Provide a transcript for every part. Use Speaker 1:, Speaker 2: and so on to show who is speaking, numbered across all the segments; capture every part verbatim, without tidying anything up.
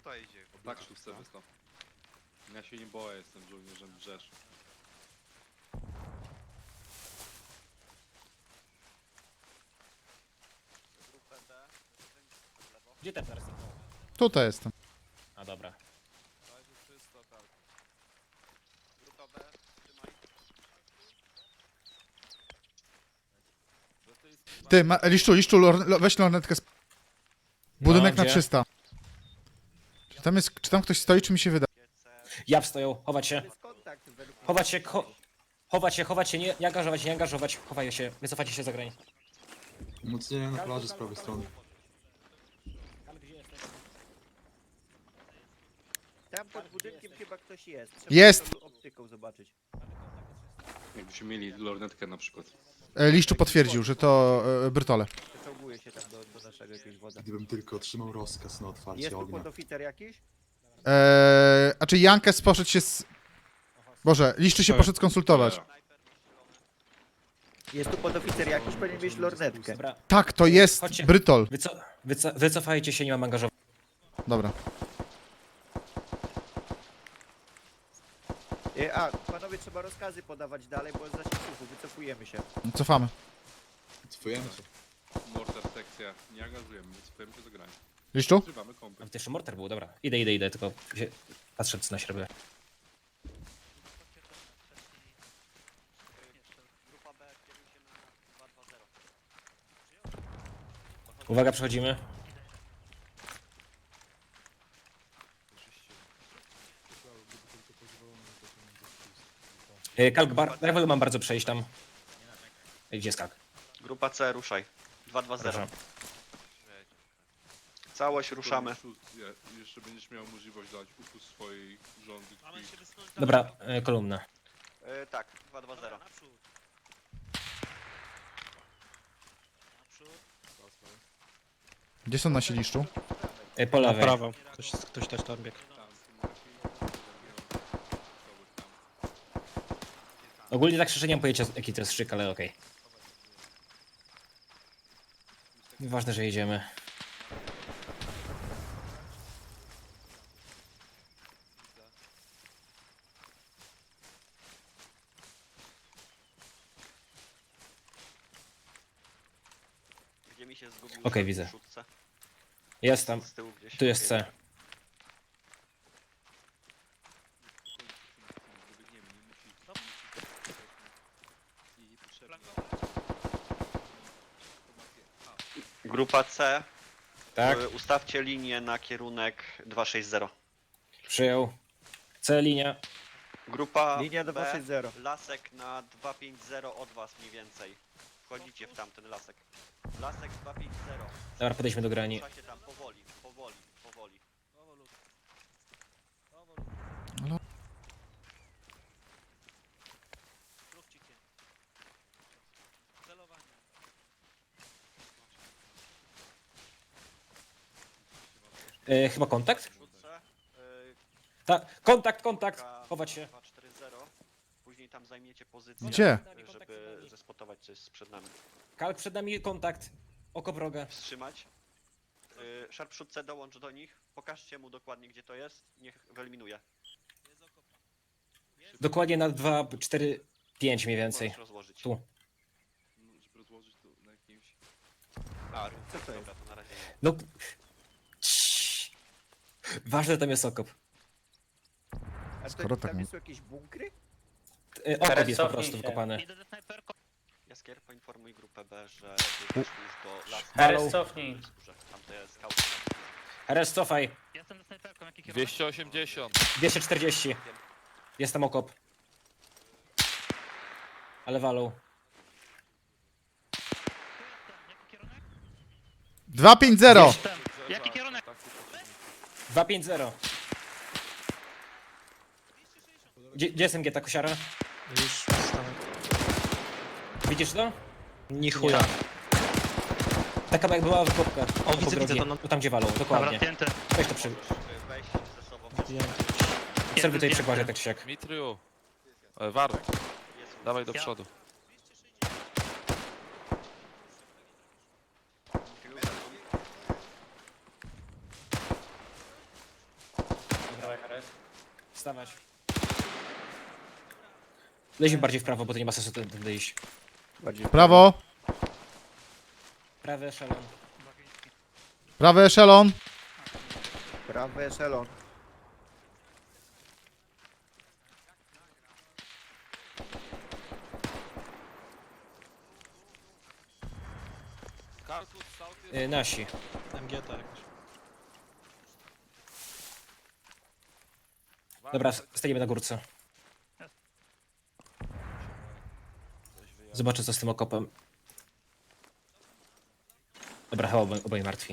Speaker 1: tutaj idzie.
Speaker 2: Tak, szóstce wysłał. Ja się nie boję, jestem żołnierzem Rzesz.
Speaker 3: Gdzie ten teraz?
Speaker 4: Tutaj jestem.
Speaker 3: A dobra.
Speaker 1: Grupa B, trzymaj.
Speaker 4: Ty, ma, liszczu, liszczu, lor, lo- weź lornetkę. z- Budynek
Speaker 3: No,
Speaker 4: na
Speaker 3: gdzie?
Speaker 4: trzysta. Czy tam, jest, czy tam ktoś stoi, czy mi się wyda?
Speaker 3: Ja stoją, chować się.
Speaker 5: jest kontakt według mnie.
Speaker 3: Chować się, cho chować się, chować się, nie, nie angażować, nie angażować, chowają się, wycofacie się za granicę.
Speaker 6: Umocnienia na plaży z prawej strony.
Speaker 5: Tam pod budynkiem chyba ktoś jest. Trzeba
Speaker 4: Jest!
Speaker 5: to optyką zobaczyć.
Speaker 2: Jakbyśmy mieli lornetkę na przykład.
Speaker 4: E, liszczu potwierdził, że to e, Brytole.
Speaker 5: Przeczołguje się tam do, do naszego jakiegoś wodza.
Speaker 6: Gdybym tylko otrzymał rozkaz na
Speaker 5: Jest
Speaker 6: otwarcie
Speaker 5: tu
Speaker 6: ognia.
Speaker 5: podoficer jakiś?
Speaker 4: E, a czy Jankes poszedł się z... Boże, liszczy się poszedł skonsultować.
Speaker 5: Jest tu podoficer jakiś, powinien mieć lornetkę.
Speaker 3: Dobra,
Speaker 4: Tak, to jest
Speaker 3: Chodźcie.
Speaker 4: Brytol.
Speaker 3: wyco wyco wycofajcie się, nie mam angażować.
Speaker 4: Dobra.
Speaker 5: E, A, panowie, trzeba rozkazy podawać dalej, bo za zasięgu wycofujemy się.
Speaker 4: Cofamy.
Speaker 6: Cofujemy się.
Speaker 2: Mortar sekcja. Nie angażujemy, wycofujemy się do grania.
Speaker 4: Liszczu?
Speaker 2: Trzymamy
Speaker 3: A
Speaker 2: komplet.
Speaker 3: to jeszcze mortar był, dobra. Idę, idę, idę, tylko się... patrzę co na śrubę.
Speaker 1: Grupa B, kieruj się na dwa dwa zero.
Speaker 3: Uwaga, przechodzimy. Yy, Kalk, bar, ja mam bardzo przejść tam. Ej, Gdzie jest Kalk?
Speaker 1: Grupa C, ruszaj. dwa dwa zero.
Speaker 3: Proszę.
Speaker 1: Całość ruszamy.
Speaker 2: Je- Jeszcze będziesz miał możliwość dać uchu swojej rządy krwi.
Speaker 3: Dobra, yy, kolumna.
Speaker 1: E, tak, dwa dwa zero.
Speaker 4: Gdzie są nasi liszczu?
Speaker 3: Yy, po
Speaker 7: Na
Speaker 3: lewej.
Speaker 7: prawo. Ktoś, ktoś też tam biegł.
Speaker 3: Ogólnie tak szczerze nie mam pojęcia jaki to jest szyk, ale okej. Ważne, że jedziemy.
Speaker 1: Gdzie mi się zgubił?
Speaker 3: Okej,
Speaker 1: w
Speaker 3: widzę.
Speaker 1: szóstce?
Speaker 3: Jest tam.
Speaker 1: Z tyłu gdzieś.
Speaker 3: Tu jest
Speaker 1: Okej.
Speaker 3: C.
Speaker 1: Grupa C,
Speaker 3: Tak,
Speaker 1: y, ustawcie linię na kierunek dwa sześć zero.
Speaker 3: przyjął. C linia.
Speaker 1: Grupa
Speaker 5: Linia
Speaker 1: B,
Speaker 5: dwa sześć zero.
Speaker 1: lasek na dwa pięć zero od was mniej więcej. Wchodzicie w tamten lasek. Lasek dwa pięć zero.
Speaker 3: Dobra, podejdźmy do grani.
Speaker 1: Rusza się tam powoli, powoli, powoli.
Speaker 3: Yy, chyba kontakt?
Speaker 1: Wrzucę. y,
Speaker 3: Tak, kontakt, kontakt!
Speaker 1: K
Speaker 3: Chować się.
Speaker 1: dwa cztery zero. Później tam zajmiecie pozycję.
Speaker 4: Gdzie?
Speaker 1: y, Żeby zespotować co jest przed nami.
Speaker 3: Kalk przed nami kontakt. Oko wroga.
Speaker 1: Wstrzymać. Y, Sharpshootce dołącz do nich. Pokażcie mu dokładnie gdzie to jest. Niech wyeliminuje.
Speaker 3: Dokładnie na dwa, cztery, pięć mniej więcej.
Speaker 1: Możesz rozłożyć.
Speaker 3: Tu.
Speaker 2: No, żeby rozłożyć to na jakimś...
Speaker 1: A,
Speaker 5: Co to jest?
Speaker 1: dobra, to na razie nie.
Speaker 3: No. Ciii. Ważne, że tam jest okop.
Speaker 5: A
Speaker 4: Skoro
Speaker 5: to,
Speaker 4: tak
Speaker 5: tam
Speaker 4: nie-
Speaker 5: są jakieś bunkry?
Speaker 3: Yy, okop jest po prostu wykopany.
Speaker 1: Jaskier, poinformuj grupę B, że weszli już do lasu.
Speaker 3: Halo.
Speaker 8: Cofnij.
Speaker 1: Tam to jest skałka.
Speaker 3: Res, cofaj.
Speaker 8: Jestem ze snajperką, jaki kierunek?
Speaker 7: dwieście osiemdziesiąt.
Speaker 3: dwieście czterdzieści. Jest tam okop. Ale walą.
Speaker 8: Jaki kierunek?
Speaker 4: dwa pięć zero!
Speaker 8: Jestem. Jaki kierunek?
Speaker 3: dwa pięć zero. Gdzie, gdzie jest M G ta kosiara?
Speaker 7: Już wstałem.
Speaker 3: Widzisz to?
Speaker 7: Ni chuja.
Speaker 3: Taka jak była wykopka.
Speaker 7: O, widzę,
Speaker 3: Po
Speaker 7: widzę
Speaker 3: drogie.
Speaker 7: to, no.
Speaker 3: Tu tam gdzie walą,
Speaker 8: Dobra,
Speaker 3: dokładnie.
Speaker 8: zdjęty.
Speaker 3: Weź to przy...
Speaker 1: Wejść ze sobą.
Speaker 7: Zdjęty.
Speaker 3: Obserwuj tutaj przekładzie tak czy siak.
Speaker 7: Mitriu. E, Warek,
Speaker 1: Jest
Speaker 7: dawaj do
Speaker 8: Ja-
Speaker 7: przodu.
Speaker 3: Wstawać. Leźmy bardziej w prawo, bo to nie ma sensu tędy tędy iść.
Speaker 5: Bardziej
Speaker 4: Prawo,
Speaker 3: Prawy eszelon.
Speaker 4: prawy eszelon.
Speaker 5: Prawy eszelon.
Speaker 7: Kartus, South jest...
Speaker 3: Y, nasi.
Speaker 7: M G T jakoś.
Speaker 3: Dobra, s- stajemy na górce. Zobaczę co z tym okopem. Dobra, chyba obaj, obaj martwi.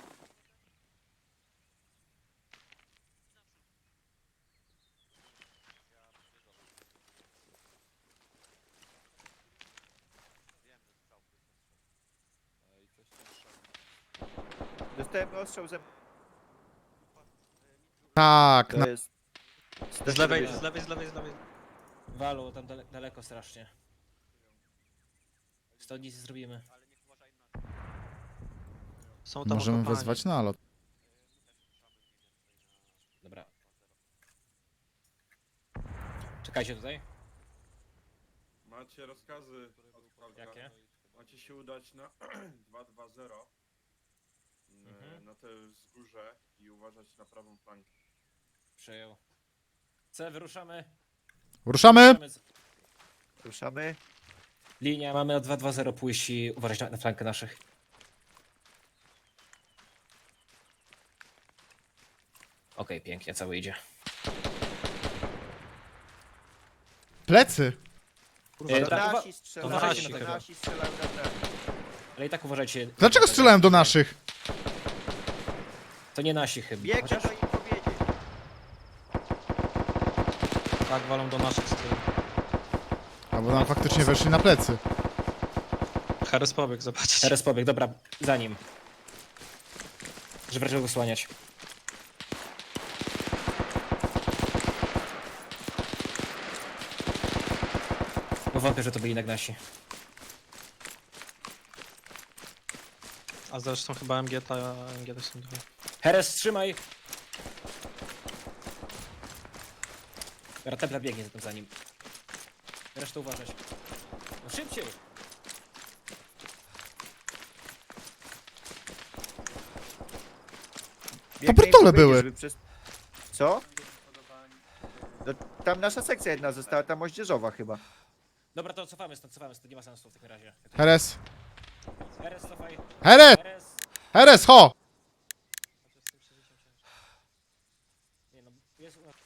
Speaker 5: Dostałem ostrzał ze...
Speaker 4: Tak, na...
Speaker 5: To jest...
Speaker 7: Z lewej, z lewej, z lewej, z lewej.
Speaker 3: Walu, tam dale, daleko strasznie. Stąd nic nie zrobimy.
Speaker 7: Są tam
Speaker 4: możemy
Speaker 7: okopani.
Speaker 4: wezwać nalot.
Speaker 3: Dobra. Czekajcie tutaj.
Speaker 9: Macie rozkazy od Falka.
Speaker 3: Jakie?
Speaker 9: Macie się udać na dwa dwa zero
Speaker 3: Mhm.
Speaker 9: na te wzgórze i uważać na prawą flankę.
Speaker 3: Przejął. C, wyruszamy.
Speaker 4: Ruszamy!
Speaker 3: Ruszamy z-
Speaker 5: Ruszamy.
Speaker 3: Linia, mamy na dwa dwa zero pójść i uważać na, na flankę naszych. Okej, pięknie, cały idzie.
Speaker 4: Plecy!
Speaker 3: E,
Speaker 5: To
Speaker 3: tak, uwa-
Speaker 5: nasi strzelają.
Speaker 3: uważajcie
Speaker 7: na
Speaker 5: To
Speaker 3: tego.
Speaker 5: nasi strzelają na prawo.
Speaker 3: ale i tak uważajcie.
Speaker 4: Dlaczego strzelałem do naszych?
Speaker 3: To nie nasi chyba.
Speaker 5: Biegnę
Speaker 3: Chociaż
Speaker 5: do im powiedzieć.
Speaker 7: Tak, walą do naszych z tyłu.
Speaker 4: Albo nam faktycznie weszli na plecy.
Speaker 7: Harris pobiegł, zobaczcie.
Speaker 3: teraz pobieg, dobra, za nim. Żeby raczej go słaniać. Bo wątpię, że to byli jednak nasi.
Speaker 7: A zresztą chyba M G T, M G T są dwa.
Speaker 3: Heres, trzymaj! Dobra, Templar biegnie zatem za nim. Resztę uważać. No szybciej!
Speaker 5: Biegnę im
Speaker 4: Papertole
Speaker 5: powiedzieć,
Speaker 4: były.
Speaker 5: żeby Przez... Co? No, tam nasza sekcja jedna została, ta moździerzowa chyba.
Speaker 3: Dobra, to cofamy stąd, cofamy stąd, nie ma sensu w takim razie.
Speaker 4: Heres!
Speaker 3: Heres, cofaj.
Speaker 4: Heres!
Speaker 3: Heres!
Speaker 4: Heres, ho!
Speaker 3: Nie no, jest u nas.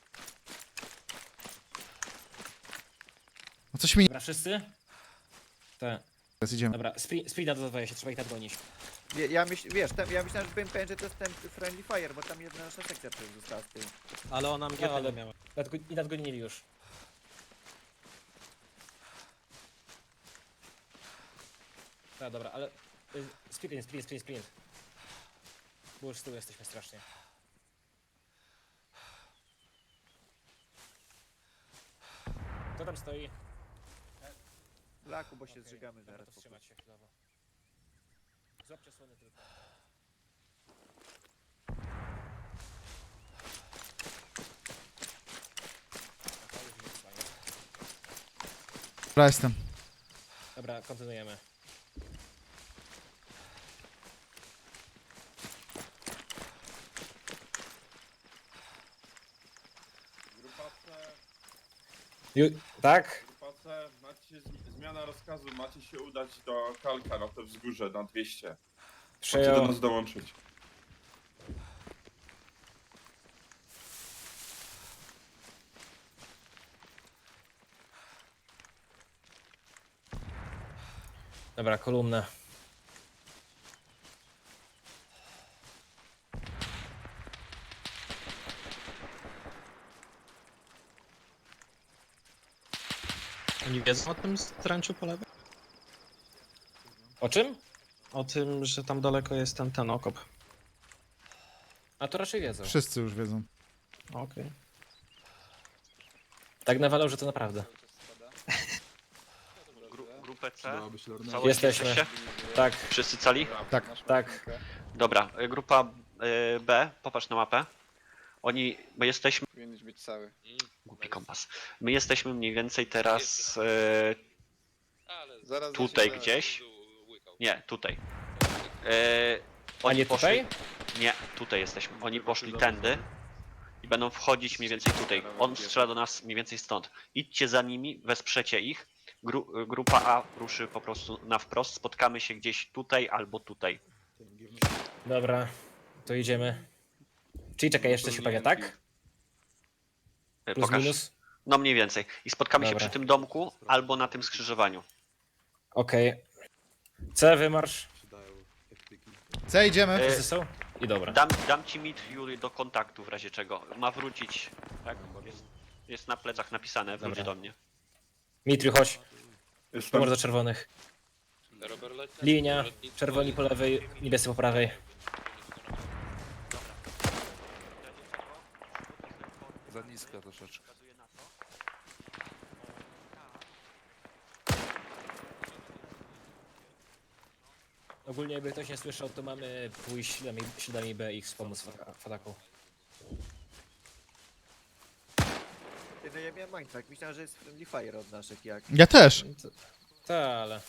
Speaker 4: No coś mi...
Speaker 3: Dobra, wszyscy? Tak.
Speaker 4: Teraz idziemy.
Speaker 3: Dobra, sprint, sprint nadodawaj się, trzeba ich nadgonić.
Speaker 5: Ja, ja myśl, wiesz, tam, ja myślałem, że byłem pewien, że to jest ten Friendly Fire, bo tam jedna nasza sekcja przecież została z tyłu.
Speaker 7: Ale ona M G T
Speaker 3: No, ale-
Speaker 7: nie miała.
Speaker 3: Nadgo- I nadgonili już. No dobra, ale... y, Sprint, sprint, sprint, sprint. Bo już z tyłu jesteśmy strasznie. Kto tam stoi?
Speaker 5: Laku, bo się
Speaker 3: Okej,
Speaker 5: zżygamy
Speaker 3: dobra,
Speaker 5: zaraz.
Speaker 3: to
Speaker 5: po
Speaker 3: wstrzymać się chwilowo. Złapcie słony tylko. Aha, już nie wstaje.
Speaker 4: Dobra, jestem.
Speaker 3: Dobra, kontynuujemy.
Speaker 9: Grupa C,
Speaker 3: Ju- tak?
Speaker 9: grupa C, macie z- zmiana rozkazu, macie się udać do Kalka na to wzgórze na dwieście. Macie do
Speaker 3: Przejął.
Speaker 9: nas dołączyć.
Speaker 3: Dobra, kolumna.
Speaker 7: Oni wiedzą o tym stręczu po lewej?
Speaker 3: O czym?
Speaker 7: O tym, że tam daleko jest ten, ten okop.
Speaker 3: A to raczej wiedzą.
Speaker 4: Wszyscy już wiedzą.
Speaker 7: Okej.
Speaker 3: Tak nawalał, że to naprawdę.
Speaker 1: Gru grupę C.
Speaker 6: Przydałaby się lorneta.
Speaker 1: Całość
Speaker 3: Jesteśmy.
Speaker 1: jesteście?
Speaker 3: Tak,
Speaker 1: Wszyscy cali?
Speaker 4: Tak.
Speaker 3: tak.
Speaker 1: Dobra, y, grupa y, B, popatrz na mapę. Oni, my jesteśmy,
Speaker 10: Powinieneś być cały.
Speaker 1: głupi kompas, my jesteśmy mniej więcej teraz e,
Speaker 10: Zaraz
Speaker 1: tutaj
Speaker 10: zacznie-
Speaker 1: gdzieś, nie, tutaj. E,
Speaker 3: A nie
Speaker 1: poszli,
Speaker 3: tutaj?
Speaker 1: nie, tutaj jesteśmy, oni poszli tędy i będą wchodzić mniej więcej tutaj. On strzela do nas mniej więcej stąd. Idźcie za nimi, wesprzecie ich. Gru, grupa A ruszy po prostu na wprost, spotkamy się gdzieś tutaj albo tutaj.
Speaker 3: Dobra, to idziemy. Czyli czekaj, jeszcze się pewnie, tak?
Speaker 1: E,
Speaker 3: Plus
Speaker 1: Pokaż.
Speaker 3: minus?
Speaker 1: No mniej więcej. I spotkamy
Speaker 3: Dobra.
Speaker 1: się przy tym domku albo na tym skrzyżowaniu.
Speaker 3: Okej. C, wymarsz.
Speaker 4: C, idziemy.
Speaker 1: E,
Speaker 3: Wszyscy są? I dobra.
Speaker 1: Dam, dam ci mit Jury do kontaktu w razie czego. Ma wrócić. Tak? Jest, jest na plecach napisane, wróci
Speaker 3: Dobra.
Speaker 1: do mnie.
Speaker 3: Mitriu, chodź.
Speaker 9: Jestem.
Speaker 3: Numer do czerwonych. Linia, czerwoni po lewej, niebiescy po prawej.
Speaker 2: Za niska troszeczkę.
Speaker 3: Ogólnie jakby ktoś nie słyszał, to mamy pójść śladami, śladami B i wspomóc w w ataku.
Speaker 5: Ty, no ja miałem mindfuck, myślałem, że jest friendly fire od naszych, jak...
Speaker 4: Ja też.
Speaker 3: Tak, ale...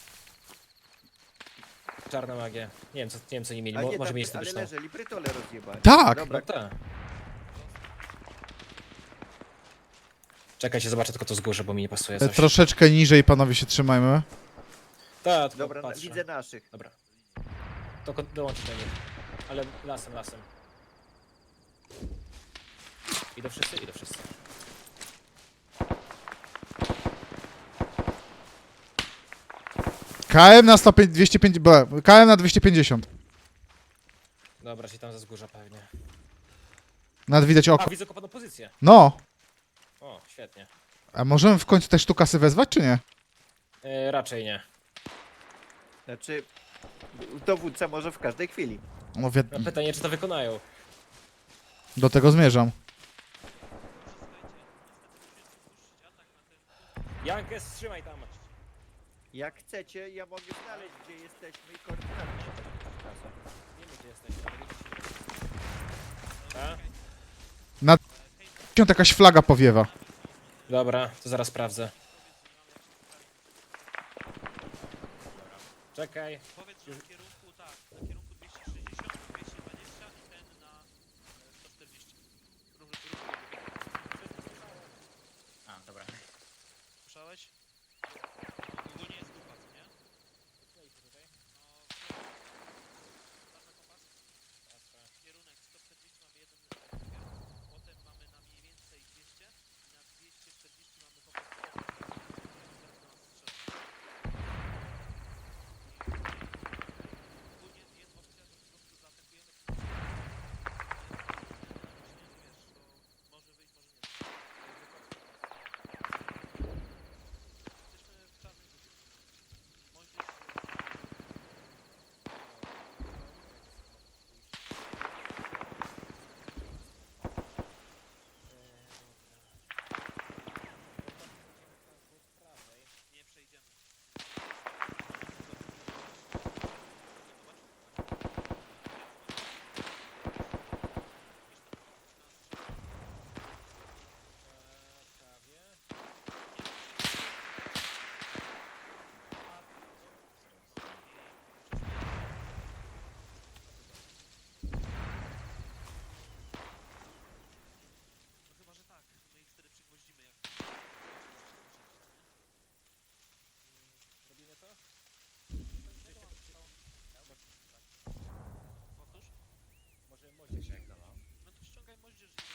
Speaker 3: Czarna magia. Nie wiem co, nie wiem, co nie mieli,
Speaker 5: A
Speaker 3: Mo,
Speaker 5: nie,
Speaker 3: może
Speaker 5: tam,
Speaker 3: mieli
Speaker 5: ale
Speaker 3: statyczną.
Speaker 5: leżeli, prytole rozjebali.
Speaker 4: Tak.
Speaker 5: Dobra,
Speaker 3: No tak. Czekajcie, zobaczę tylko to z góry, bo mi nie pasuje
Speaker 4: E,
Speaker 3: coś.
Speaker 4: Troszeczkę niżej, panowie, się trzymajmy.
Speaker 3: Tak, tylko
Speaker 5: dobra, na,
Speaker 3: patrzę.
Speaker 5: widzę naszych.
Speaker 3: Dobra. To ko- dołączyć do nich. Ale lasem, lasem. Idą wszyscy? Idą wszyscy.
Speaker 4: K M na sto pięć- dwieście pięćdziesiąt. B, K M na dwieście pięćdziesiąt.
Speaker 3: Dobra, czyli tam ze wzgórza pewnie.
Speaker 4: Nad widać
Speaker 3: A,
Speaker 4: oko.
Speaker 3: widzę kopaną pozycję.
Speaker 4: No.
Speaker 3: O, świetnie.
Speaker 4: A możemy w końcu te sztukasy wezwać, czy nie?
Speaker 3: E, raczej nie.
Speaker 5: Znaczy, dowódca może w każdej chwili.
Speaker 4: No, wi-
Speaker 3: No, pytanie, czy to wykonają.
Speaker 4: do tego zmierzam.
Speaker 3: Jankes, trzymaj tam.
Speaker 5: Jak chcecie, ja mogę znaleźć, gdzie jesteśmy i koordynaty się tak czasem.
Speaker 3: Wiemy, gdzie jesteśmy. ale widzicie. A?
Speaker 4: Jakaś flaga powiewa.
Speaker 3: Dobra, to zaraz sprawdzę. Czekaj.
Speaker 8: Powiedz, że w kierunku, tak, na kierunku dwieście sześćdziesiąt, dwieście dwadzieścia i ten na e, sto czterdzieści. Rób, rób, A, dobra. Słyszałeś? Ogólnie jest grupa, co nie? No, kierunek sto czterdzieści mamy jeden meter, potem mamy na mniej więcej dwieście i na dwieście czterdzieści mamy po prostu ogólnie jest opcja, że po prostu zaatakujemy wiesz, to może wyjść, może nie. Jesteśmy w czarnej grupie. Możesz... Nie przejdziemy. No chyba, że tak. My ich wtedy przygwoździmy jak...
Speaker 3: Robimy to?
Speaker 8: Otóż?
Speaker 3: Może moździerz jak dała.
Speaker 8: No to ściągaj moździerz i...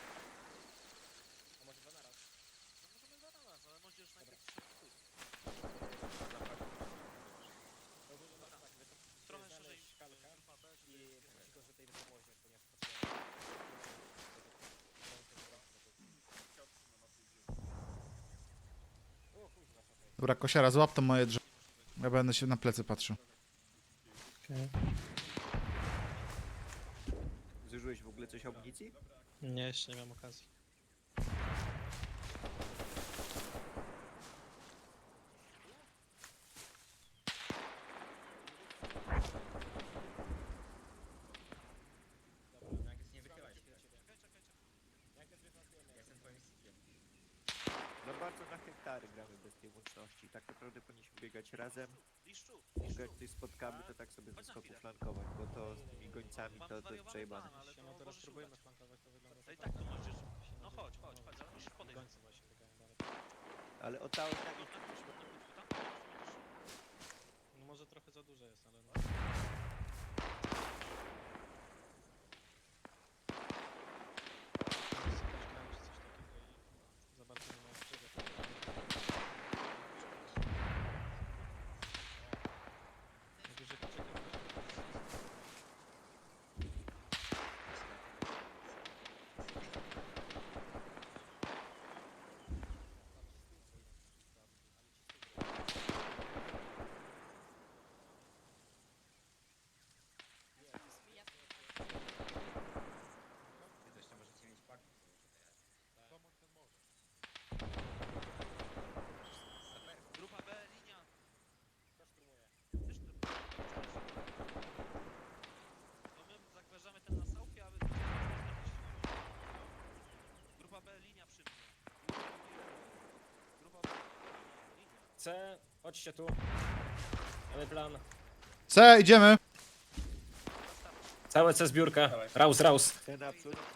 Speaker 3: A może dwa naraz?
Speaker 8: No możemy dwa na raz, ale moździerz najpierw się chuj. Trochę szerzej
Speaker 3: kalka
Speaker 8: grupa B, żeby...
Speaker 3: i tylko, że tej wysokości, ponieważ
Speaker 4: Dobra, kosiara, złap to moje drzewo. Ja będę się na plecy patrzył.
Speaker 5: Zużyłeś w ogóle coś amunicji?
Speaker 7: Nie, jeszcze nie miałem okazji.
Speaker 5: bez tej łączności. Tak naprawdę powinniśmy biegać razem.
Speaker 8: Liszczu,
Speaker 5: Jak
Speaker 8: liszczu.
Speaker 5: ktoś spotkamy, to tak sobie ze
Speaker 8: Chodź na
Speaker 5: skoku
Speaker 8: chwilę.
Speaker 5: flankować, bo to z tymi gońcami
Speaker 8: Mam
Speaker 5: to, to jest
Speaker 8: zwariowany
Speaker 5: przejebane.
Speaker 8: plan, ale to
Speaker 7: No teraz
Speaker 8: możesz
Speaker 7: próbujemy
Speaker 8: udać.
Speaker 7: flankować, to wygląda
Speaker 8: To i tak to
Speaker 7: super.
Speaker 8: możesz...
Speaker 7: Się
Speaker 8: No
Speaker 7: nadzieję,
Speaker 8: chodź,
Speaker 7: że
Speaker 8: chodź,
Speaker 7: pomoże.
Speaker 8: chodź, ale musisz podejść.
Speaker 7: Gońcy właśnie biegają dalej.
Speaker 5: Ale o ta
Speaker 8: No, na budku, na budku, tam.
Speaker 7: No może trochę za duże jest, ale no. Grałem czy coś takiego i za bardzo nie ma czego. Najwyżej poczekam.
Speaker 8: Grupa B, linia. Kto szturmuje? Ty szturmujesz. No my zagwarzamy ten na Southie, a wy... Grupa B, linia przy mnie. Grupa B, linia.
Speaker 3: C, chodźcie tu. Mamy plan.
Speaker 4: C, idziemy.
Speaker 3: Całe C zbiórka. Raus, raus.
Speaker 5: ten naprzód.
Speaker 8: Na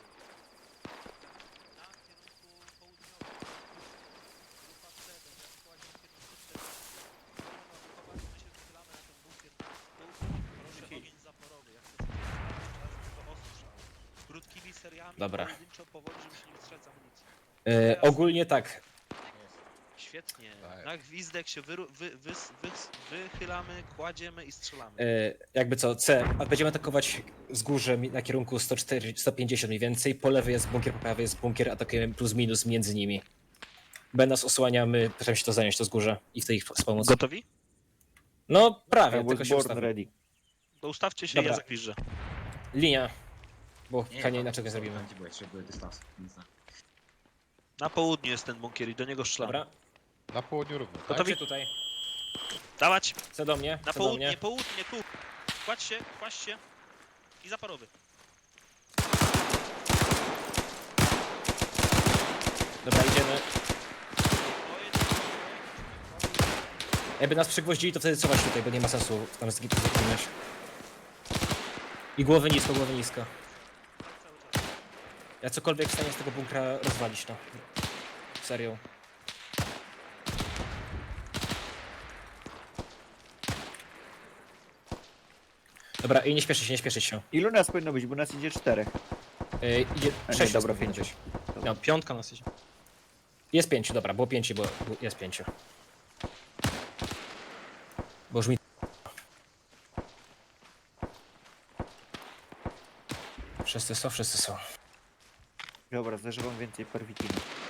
Speaker 8: kierunku południowym. Grupa C, będzie aktualnie na kierunku C. Chowajmy się, wychylamy na ten bunkier. Proszę ogień zaporowy. Jak chcecie to ostrzał. Krótkimi seriami,
Speaker 3: Dobra.
Speaker 8: pojedynczo powoli, żeby się nie wstrzec amunicji.
Speaker 3: E, ogólnie tak.
Speaker 8: Świetnie. Na gwizdek się wyru- wy, wy, wy, wychylamy, kładziemy i strzelamy.
Speaker 3: E, jakby co, C. A będziemy atakować wzgórze mi- na kierunku sto czterdzieści, sto pięćdziesiąt mniej więcej. Po lewej jest bunkier, po prawej jest bunkier. Atakujemy plus minus między nimi. B nas osłaniamy, staramy się to zająć, to wzgórze i w tej ich wspomóc.
Speaker 8: Gotowi?
Speaker 3: No prawie,
Speaker 5: I
Speaker 3: tylko
Speaker 5: was
Speaker 3: się
Speaker 5: born
Speaker 3: ustawmy.
Speaker 5: ready.
Speaker 8: To ustawcie się,
Speaker 3: Dobra.
Speaker 8: ja zakwiżę.
Speaker 3: Linia. Bo nie, inaczej go zrobimy.
Speaker 8: Na południu jest ten bunkier i do niego strzelamy.
Speaker 3: Dobra,
Speaker 11: Na południu równo, tak?
Speaker 3: gotowi tutaj.
Speaker 8: Dawać!
Speaker 3: Co do mnie?
Speaker 8: Na
Speaker 3: Co do
Speaker 8: południe,
Speaker 3: mnie?
Speaker 8: południe, tu! Kładź się, kładź się. I zaporowy.
Speaker 3: Dobra, idziemy.
Speaker 8: To jest...
Speaker 3: Jakby nas przygwoździli, to wtedy cofać tutaj, bo nie ma sensu tam zgi- zginąć. I głowy nisko, głowy nisko.
Speaker 8: Cały czas.
Speaker 3: Ja cokolwiek w stanie z tego bunkra rozwalić, no. Serio. Dobra, i nie śpieszyć się, nie śpieszyć się.
Speaker 5: Ilu nas powinno być, bo nas idzie czterech.
Speaker 3: Yy, idzie
Speaker 5: A nie,
Speaker 3: sześć.
Speaker 5: dobra,
Speaker 3: nas powinno
Speaker 5: pięciu.
Speaker 3: być.
Speaker 7: No, piątka nas idzie.
Speaker 3: Jest pięciu, dobra, było pięciu, bo bo jest pięciu. Bo już mi... Wszyscy są, wszyscy są.
Speaker 5: Dobra, zażywam więcej perwitiny.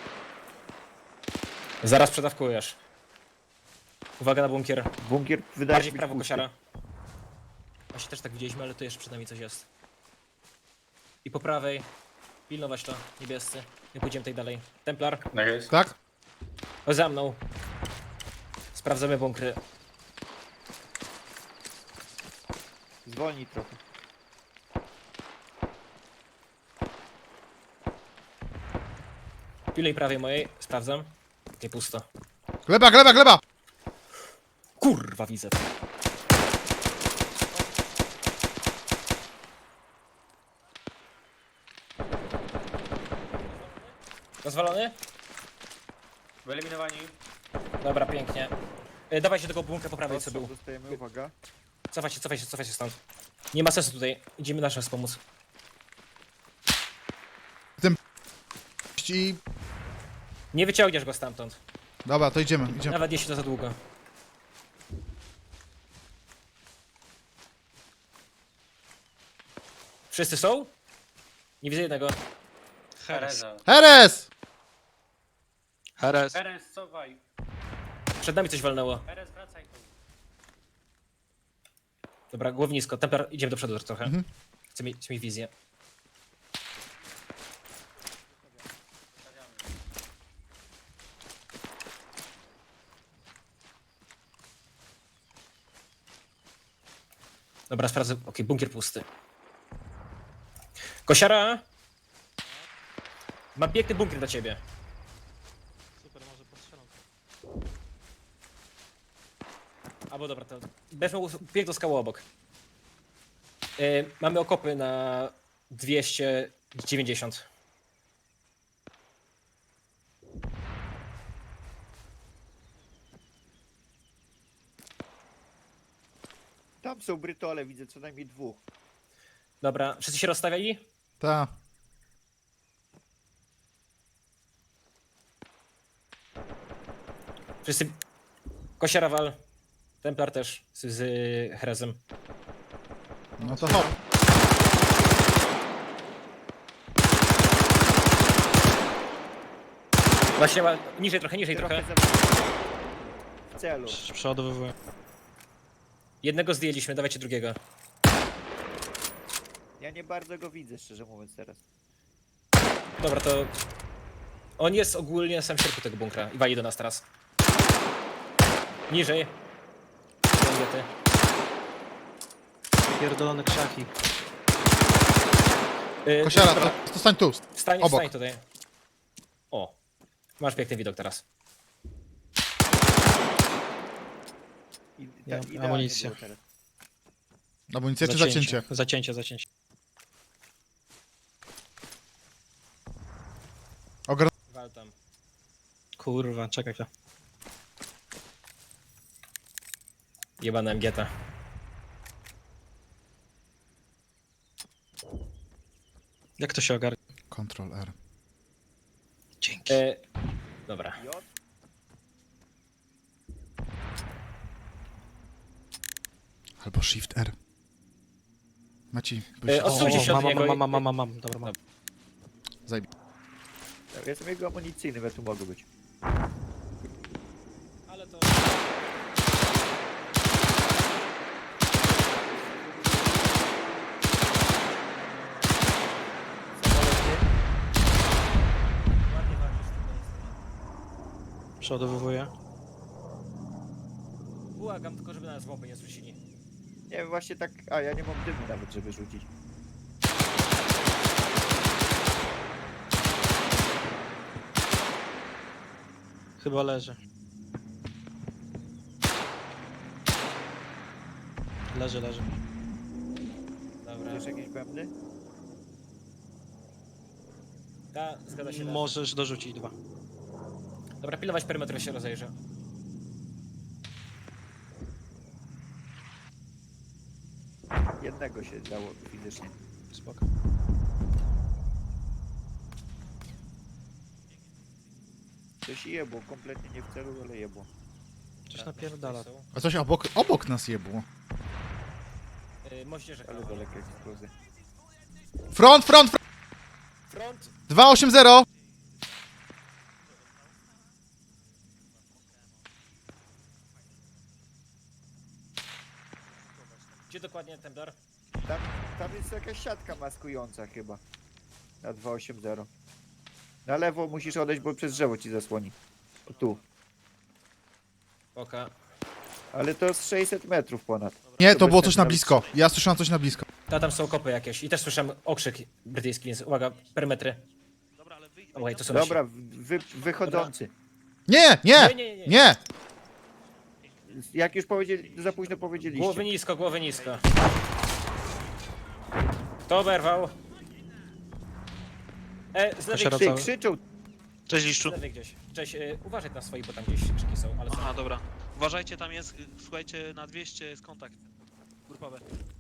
Speaker 3: Zaraz przedawkujesz. Uwaga na bunkier.
Speaker 5: Bunkier wydaje
Speaker 3: Bardziej
Speaker 5: się
Speaker 3: w
Speaker 5: być
Speaker 3: prawo,
Speaker 5: pusty.
Speaker 3: kosiara. Właśnie też tak widzieliśmy, ale tu jeszcze przed nami coś jest. I po prawej. Pilnować to, niebiescy. Nie pójdziemy tutaj dalej. Templar,
Speaker 4: Tak?
Speaker 3: chodź za mną. Sprawdzamy bunkry.
Speaker 5: Zwolnij trochę.
Speaker 3: Pilnej prawej mojej, sprawdzam. Nie pusto.
Speaker 4: Gleba, gleba, gleba!
Speaker 3: Kurwa, widzę. Rozwalony?
Speaker 12: Wyeliminowani.
Speaker 3: Dobra, pięknie. E, dawaj się do tego bunkra po prawej, co
Speaker 5: Ostrzał
Speaker 3: był.
Speaker 5: dostajemy, uwaga.
Speaker 3: Cofaj się, cofaj się, cofaj się stąd. Nie ma sensu tutaj. Idziemy na nas pomóc.
Speaker 4: I...
Speaker 3: Nie wyciągniesz go stamtąd.
Speaker 4: Dobra, to idziemy, idziemy.
Speaker 3: Nawet jeśli to za długo. Wszyscy są? Nie widzę jednego.
Speaker 7: Heres.
Speaker 4: Heres!
Speaker 8: Heres.
Speaker 12: Eren, cofaj.
Speaker 3: Przed nami coś walnęło.
Speaker 12: Eren, wracaj tu.
Speaker 3: Dobra, głownisko. Templar, idziemy do przodu trochę.
Speaker 4: Mhm.
Speaker 3: Chcę mieć, chcę mieć wizję. Dobra, sprawdzę. Okej, bunkier pusty. Kosiara! Mam piękny bunkier dla ciebie.
Speaker 7: Super, może postrzelam.
Speaker 3: Albo dobra, to będziesz mógł bieg do skały obok. Yy, mamy okopy na dwieście dziewięćdziesiąt.
Speaker 5: Tam są brytole, widzę co najmniej dwóch.
Speaker 3: Dobra, wszyscy się rozstawiali?
Speaker 4: Ta.
Speaker 3: Wszyscy... Kosiara wal. Templar też z, z Herezem.
Speaker 4: No to hop.
Speaker 3: Właśnie ma- niżej trochę, niżej
Speaker 5: Trochę
Speaker 3: trochę.
Speaker 5: za... w celu.
Speaker 7: Przeładowywuję.
Speaker 3: Jednego zdjęliśmy, dawajcie drugiego.
Speaker 5: Ja nie bardzo go widzę, szczerze mówiąc teraz.
Speaker 3: Dobra, to... On jest ogólnie sam w środku tego bunkra i wali do nas teraz. Niżej. Ty.
Speaker 7: Pierdolone krzaki.
Speaker 3: Yy,
Speaker 4: Kosiara,
Speaker 3: dobra,
Speaker 4: to, to stań tu.
Speaker 3: Wstań,
Speaker 4: obok.
Speaker 3: wstań tutaj. O. Masz piękny widok teraz.
Speaker 5: I, ta,
Speaker 7: Ja,
Speaker 5: idealnie
Speaker 7: amunicja.
Speaker 5: było teraz.
Speaker 4: Amunicja czy zacięcie?
Speaker 7: Zacięcie, zacięcie.
Speaker 4: Ogra...
Speaker 3: Wal tam.
Speaker 7: Kurwa, czekaj chwilę.
Speaker 3: Jebana M G T.
Speaker 7: Jak to się ogarnia?
Speaker 4: Ctrl R.
Speaker 7: Dzięki.
Speaker 3: E, dobra.
Speaker 5: J?
Speaker 4: Albo Shift R. Maci,
Speaker 3: E, odsuńcie się od
Speaker 7: mam,
Speaker 3: niego.
Speaker 7: mam, mam, mam, mam, mam, dobra, mam.
Speaker 4: zajmij.
Speaker 5: Ja jestem jego amunicyjnym, ja tu mogę być.
Speaker 3: Ale to... Ładnie walczysz tutaj.
Speaker 7: Przeładowywuję.
Speaker 3: Błagam tylko, żeby nas bomby nie zrzucili.
Speaker 5: Nie wiem, właśnie tak... A, ja nie mam dymu nawet, żeby rzucić.
Speaker 7: Chyba leży. Leży, leży.
Speaker 3: Dobra.
Speaker 5: Wiesz jakieś bębny?
Speaker 3: Ta, zgadza się.
Speaker 7: Możesz dorzucić dwa.
Speaker 3: Dobra, pilnować perymetru, się rozejrzę.
Speaker 5: Jednego się dało fizycznie.
Speaker 7: Spoko.
Speaker 5: Coś jebło, kompletnie nie w celu, ale jebło.
Speaker 7: Coś napierdala.
Speaker 4: A coś obok, obok nas jebło.
Speaker 3: Yy, moździerze.
Speaker 5: Ale daleka eksplozja.
Speaker 4: Front, front, front!
Speaker 3: Front!
Speaker 4: dwa osiem zero!
Speaker 3: Gdzie dokładnie Templar?
Speaker 5: Tam, tam jest jakaś siatka maskująca chyba. Na dwa osiem zero. Na lewo musisz odejść, bo przez drzewo ci zasłoni. O tu.
Speaker 3: Oka.
Speaker 5: Ale to z sześćset metrów ponad.
Speaker 4: Nie,
Speaker 5: To
Speaker 4: to
Speaker 5: bez
Speaker 4: było
Speaker 5: sensu
Speaker 4: coś na
Speaker 5: nawet
Speaker 4: blisko. Ja słyszałem coś na blisko.
Speaker 3: Ta, tam są kopy jakieś. I też słyszałem okrzyk brytyjski, więc uwaga, perymetry.
Speaker 8: Dobra, ale wyjdź.
Speaker 3: Oj, to są nasi.
Speaker 5: Dobra, wy, wychodzący.
Speaker 4: Nie, nie,
Speaker 3: Nie, nie, nie.
Speaker 4: nie!
Speaker 5: Jak już powiedzieli, za późno powiedzieliście.
Speaker 3: Głowy nisko, głowy nisko. Kto oberwał? E, z lewej,
Speaker 7: Kosiara
Speaker 5: Ty,
Speaker 7: cały.
Speaker 5: krzyczą.
Speaker 8: Cześć
Speaker 3: z
Speaker 8: Liszczu.
Speaker 3: lewej gdzieś. Cześć, y, uważaj na swoich, bo tam gdzieś krzyki są, ale są.
Speaker 8: Aha, dobra. Uważajcie, tam jest, y, słuchajcie, na dwieście jest kontakt grupowy.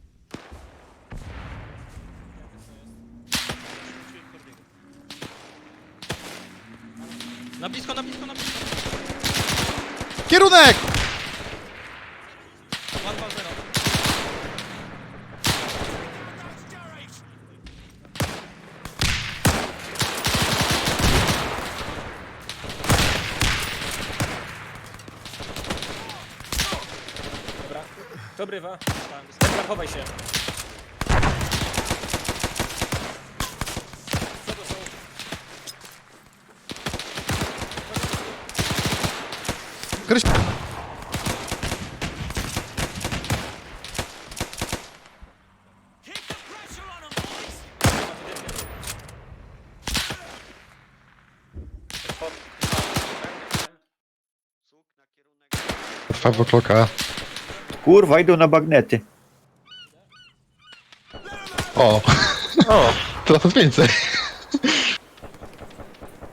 Speaker 7: Na blisko, na blisko, na blisko.
Speaker 4: Kierunek!
Speaker 7: One, dwa, zero.
Speaker 3: Dobra. Kto brywa? Templar, chowaj się. Co to są?
Speaker 4: Kryś...
Speaker 1: Sług na kierunek...
Speaker 11: Five o'clock A.
Speaker 5: Kurwa, idą na bagnety.
Speaker 11: O! O! To więcej.